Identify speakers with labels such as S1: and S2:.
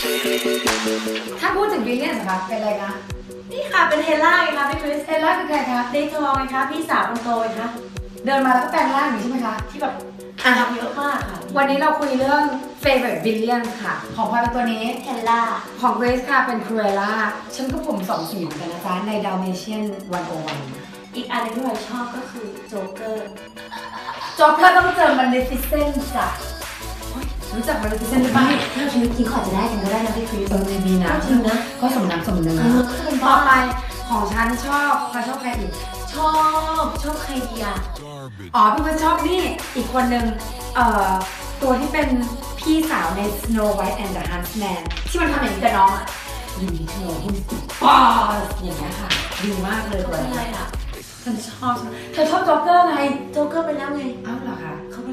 S1: ถ้าพูดถึงวิลเลียนนะคะเป็นอะไรคะ
S2: นี่ค่ะเป็นเฮล่าไงคะพี่คริส
S1: เอลล่าคือใครคะ
S2: เดย์ทองไงคะพี่สาวคนโตไงคะ
S1: เดินมาแล้วก็แปลงร่างอยู่ใช่ไหมคะ
S2: ที่แบบ
S1: อ่ะ
S2: ทำเยอะมากค่ะ
S1: วันนี้เราคุยเรื่อง favorite villain ค่ะ ของพลอยเป็นตัวนี้
S2: เฮล่า
S1: ของเกรซค่ะเป็นครูเอล่าฉันก็ผม2 สีเหมือนกันนะจ๊ะใน Dalmatian 101
S2: อีกอันหนึงที่เราชอบก็คือโจ๊กเกอร์
S1: จ็อกเกอร์ต้องเจอ Maleficent จ้ะรู้จัก Maleficent หรือเปล่า
S2: ถ้าชีวิตจริงเขาอาจจะได้กันก็ได้นะพี่คริส
S1: ดีนะ
S2: จริงนะ
S1: ก็สมน้ำสมเนื้อ
S2: ก็เป็น
S1: ต่
S2: บ้า
S1: อไปของฉันชอบใครอีก
S2: ชอบใครดีอะ
S1: อ๋อพี่เพื่อนชอบนี่อีกคนนึงตัวที่เป็นพี่สาวใน Snow White and the Huntsman ที่มันทำอย่างนี้กับน้องอ่ะยินดีเธอคุณบอสอย่างเงี้ยค่ะดีมากเลย
S2: เขา
S1: ตัว
S2: เป็น
S1: นี้
S2: อะไรอะ
S1: ฉันชอบเธอชอบจ็อกเกอร์ไง
S2: โจ๊กเกอร์ไปแล้วไง
S1: อ้าวเหรอคะ
S2: เขาไป